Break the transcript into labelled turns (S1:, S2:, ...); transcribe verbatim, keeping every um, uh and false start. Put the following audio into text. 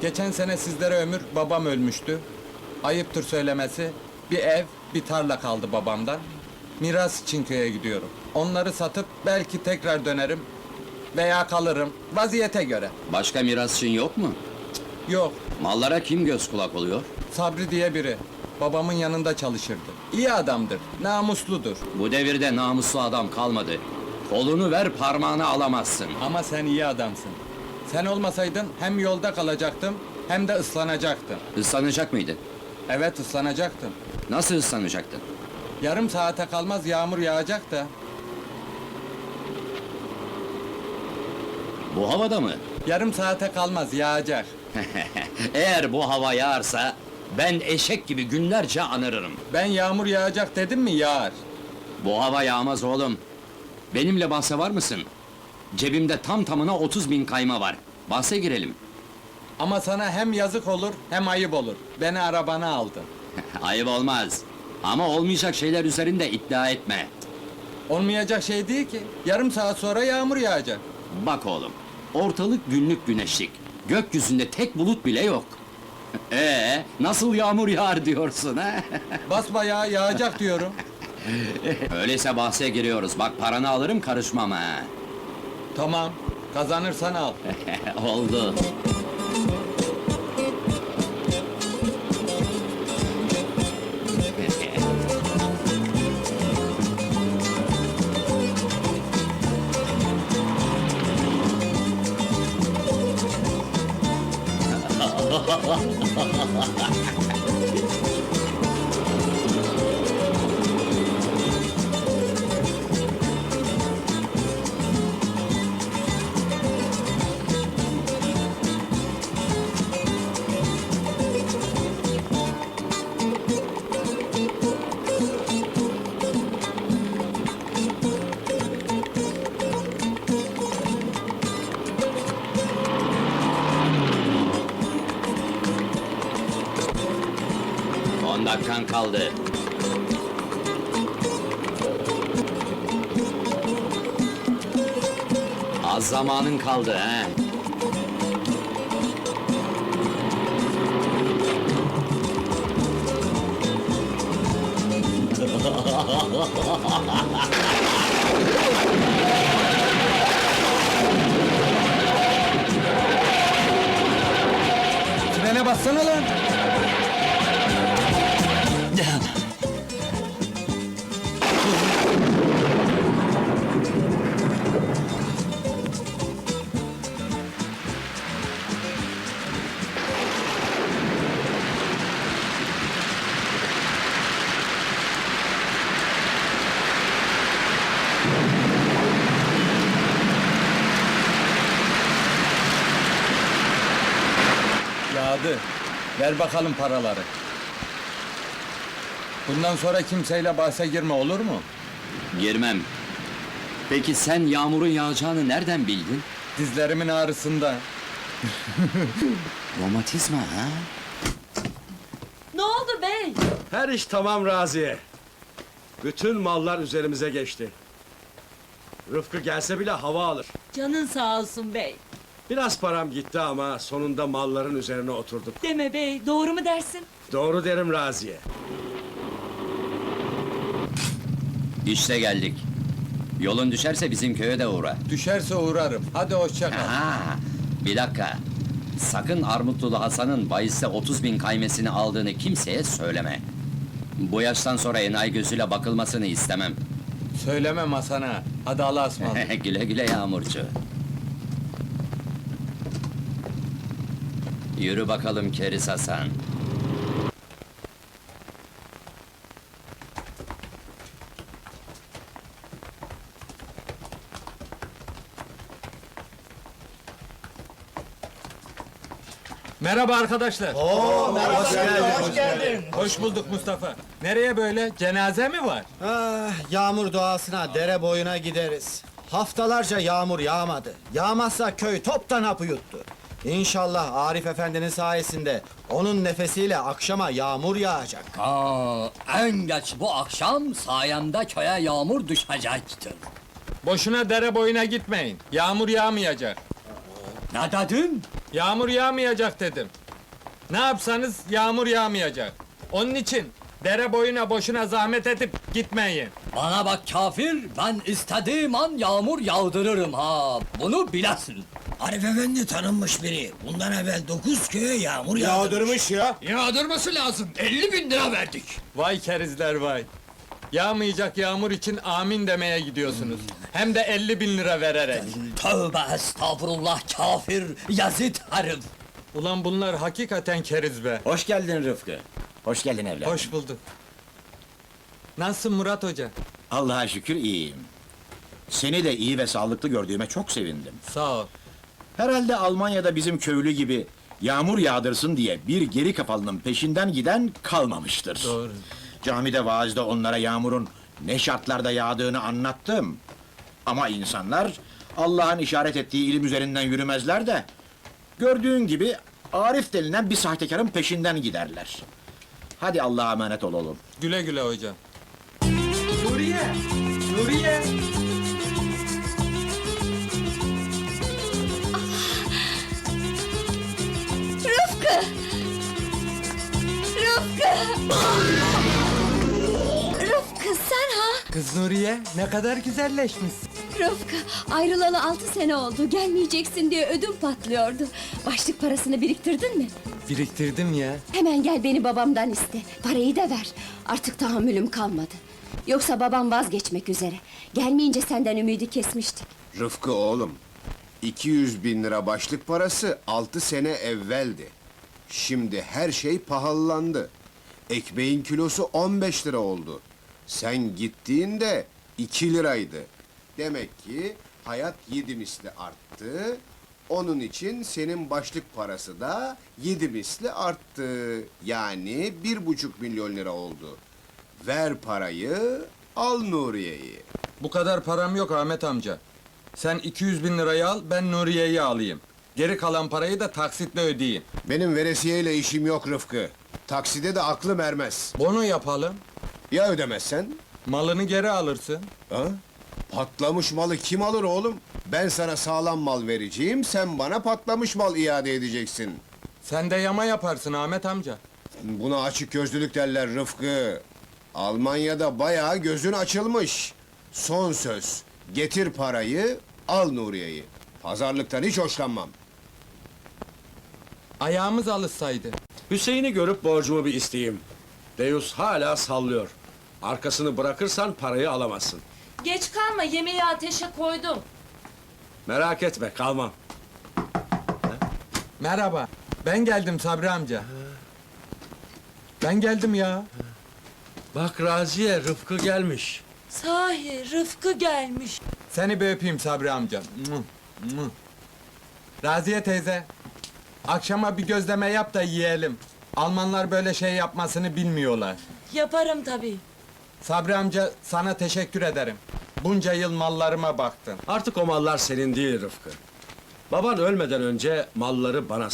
S1: Geçen sene sizlere ömür babam ölmüştü. Ayıptır söylemesi. Bir ev, bir tarla kaldı babamdan. Miras için köye gidiyorum. Onları satıp belki tekrar dönerim. Veya kalırım. Vaziyete göre.
S2: Başka mirasçın yok mu?
S1: Yok,
S2: Mallara kim göz kulak oluyor?
S1: Sabri diye biri. Babamın yanında çalışırdı. İyi adamdır, namusludur.
S2: Bu devirde namuslu adam kalmadı. Kolunu ver parmağını alamazsın.
S1: Ama sen iyi adamsın. Sen olmasaydın hem yolda kalacaktım hem de ıslanacaktım.
S2: Islanacak mıydın?
S1: Evet, ıslanacaktım.
S2: Nasıl ıslanacaktın?
S1: Yarım saate kalmaz yağmur yağacak da.
S2: Bu havada mı?
S1: Yarım saate kalmaz yağacak.
S2: Eğer bu hava yağarsa ben eşek gibi günlerce anırırım.
S1: Ben yağmur yağacak dedim mi yağar.
S2: Bu hava yağmaz oğlum. Benimle bahse var mısın? Cebimde tam tamına otuz bin kayma var. Bahse girelim.
S1: Ama sana hem yazık olur hem ayıp olur. Beni arabana aldın.
S2: Ayıp olmaz. Ama olmayacak şeyler üzerinde iddia etme.
S1: Olmayacak şey değil ki. Yarım saat sonra yağmur yağacak.
S2: Bak oğlum, ortalık günlük güneşlik. Gökyüzünde tek bulut bile yok. Ee, nasıl yağmur yağar diyorsun ha?
S1: Basbayağı yağacak diyorum.
S2: Öyleyse bahse giriyoruz. Bak paranı alırım karışmam ha.
S1: Tamam, kazanırsan al.
S2: Oldu. On dakikan kaldı. Az zamanın kaldı he.
S1: Frene bassana lan! Yağdı. Ver bakalım paraları. Bundan sonra kimseyle bahse girme, olur mu?
S2: Girmem. Peki sen yağmurun yağacağını nereden bildin?
S1: Dizlerimin ağrısında.
S2: Romatizma ha?
S3: Ne oldu bey?
S4: Her iş tamam Raziye. Bütün mallar üzerimize geçti. Rıfkı gelse bile hava alır.
S3: Canın sağ olsun bey.
S4: Biraz param gitti ama sonunda malların üzerine oturduk.
S3: Deme bey, doğru mu dersin?
S4: Doğru derim Raziye.
S2: İşte geldik. Yolun düşerse bizim köye de uğra.
S1: Düşerse uğrarım. Hadi hoşça kal.
S2: Ha, bir dakika. Sakın Armutlulu Hasan'ın bahiste otuz bin kaymesini aldığını kimseye söyleme. Bu yaştan sonra enayi gözüyle bakılmasını istemem.
S1: Söylemem Hasan'a. Hadi Allah'a ısmarladık.
S2: Güle güle Yağmurcu. Yürü bakalım Keriz Hasan.
S1: Merhaba arkadaşlar.
S5: Oo, merhaba, hoş geldin. Hoş geldin.
S1: Hoş bulduk Mustafa. Nereye böyle? Cenaze mi var?
S5: Ah, yağmur doğasına, dere boyuna gideriz. Haftalarca yağmur yağmadı. Yağmazsa köy toptan hapı yuttu. İnşallah Arif Efendi'nin sayesinde onun nefesiyle akşama yağmur yağacak.
S6: Aa, en geç bu akşam sayemde köye yağmur düşecektir.
S1: Boşuna dere boyuna gitmeyin. Yağmur yağmayacak.
S6: Ne dedin?
S1: Yağmur yağmayacak dedim. Ne yapsanız yağmur yağmayacak. Onun için dere boyuna boşuna zahmet edip gitmeyin.
S6: Bana bak kafir, ben istediğim an yağmur yağdırırım ha. Bunu bilesin.
S7: Arif Efendi tanınmış biri. Bundan evvel dokuz köye yağmur yağdırmış.
S4: ya.
S6: Yağdırması lazım. elli bin lira verdik.
S1: Vay kerizler vay. Yağmayacak yağmur için amin demeye gidiyorsunuz. Hem de elli bin lira vererek.
S6: Tövbe estağfurullah kafir, yazıt herif.
S1: Ulan bunlar hakikaten keriz be.
S7: Hoş geldin Rıfkı. Hoş geldin evladım.
S1: Hoş bulduk. Nasılsın Murat Hoca?
S8: Allah'a şükür iyiyim. Seni de iyi ve sağlıklı gördüğüme çok sevindim.
S1: Sağ ol.
S8: Herhalde Almanya'da bizim köylü gibi yağmur yağdırsın diye bir geri kafalının peşinden giden kalmamıştır.
S1: Doğru.
S8: Camide vaazda onlara yağmurun ne şartlarda yağdığını anlattım. Ama insanlar Allah'ın işaret ettiği ilim üzerinden yürümezler de gördüğün gibi Arif denilen bir sahtekarın peşinden giderler. Hadi Allah'a emanet ol oğlum.
S1: Güle güle hocam.
S4: Nuriye! Nuriye!
S9: Rıfkı! Rıfkı! Rıfkı sen ha?
S1: Kız Nuriye ne kadar güzelleşmişsin.
S9: Rıfkı ayrılalı altı sene oldu. Gelmeyeceksin diye ödüm patlıyordu. Başlık parasını biriktirdin mi?
S1: Biriktirdim ya.
S9: Hemen gel beni babamdan iste. Parayı da ver. Artık tahammülüm kalmadı. Yoksa babam vazgeçmek üzere. Gelmeyince senden ümidi kesmiştik.
S10: Rıfkı oğlum, iki yüz bin lira başlık parası altı sene evveldi. Şimdi her şey pahalandı. Ekmeğin kilosu on beş lira oldu. Sen gittiğinde iki liraydı. Demek ki hayat yedi misli arttı. Onun için senin başlık parası da yedi misli arttı. Yani bir buçuk milyon lira oldu. Ver parayı, al Nuriye'yi.
S1: Bu kadar param yok Ahmet amca. Sen iki yüz bin lirayı al, ben Nuriye'yi alayım. Geri kalan parayı da taksitle ödeyeyim.
S10: Benim veresiyeyle işim yok Rıfkı. Takside de aklım ermez.
S1: Bono yapalım,
S10: Ya ödemezsen?
S1: malını geri alırsın.
S10: Ha? Patlamış malı kim alır oğlum? Ben sana sağlam mal vereceğim, sen bana patlamış mal iade edeceksin.
S1: Sen de yama yaparsın Ahmet amca.
S10: Buna açık gözlülük derler Rıfkı. Almanya'da bayağı gözün açılmış. Son söz, getir parayı, al Nuriye'yi. Pazarlıktan hiç hoşlanmam.
S1: Ayağımız alışsaydı.
S4: Hüseyin'i görüp borcumu bir isteyeyim. Deus hala sallıyor. Arkasını bırakırsan parayı alamazsın.
S3: Geç kalma, yemeği ateşe koydum.
S4: Merak etme, kalmam.
S1: Merhaba, ben geldim Sabri amca. Ben geldim ya.
S4: Bak Raziye, Rıfkı gelmiş.
S3: Sahi, Rıfkı gelmiş.
S1: Seni bir öpeyim Sabri amca. Muh, muh. Raziye teyze, akşama bir gözleme yap da yiyelim. Almanlar böyle şey yapmasını bilmiyorlar.
S3: Yaparım tabii.
S1: Sabri amca, sana teşekkür ederim. Bunca yıl mallarıma baktın.
S4: Artık o mallar senin değil Rıfkı. Baban ölmeden önce malları bana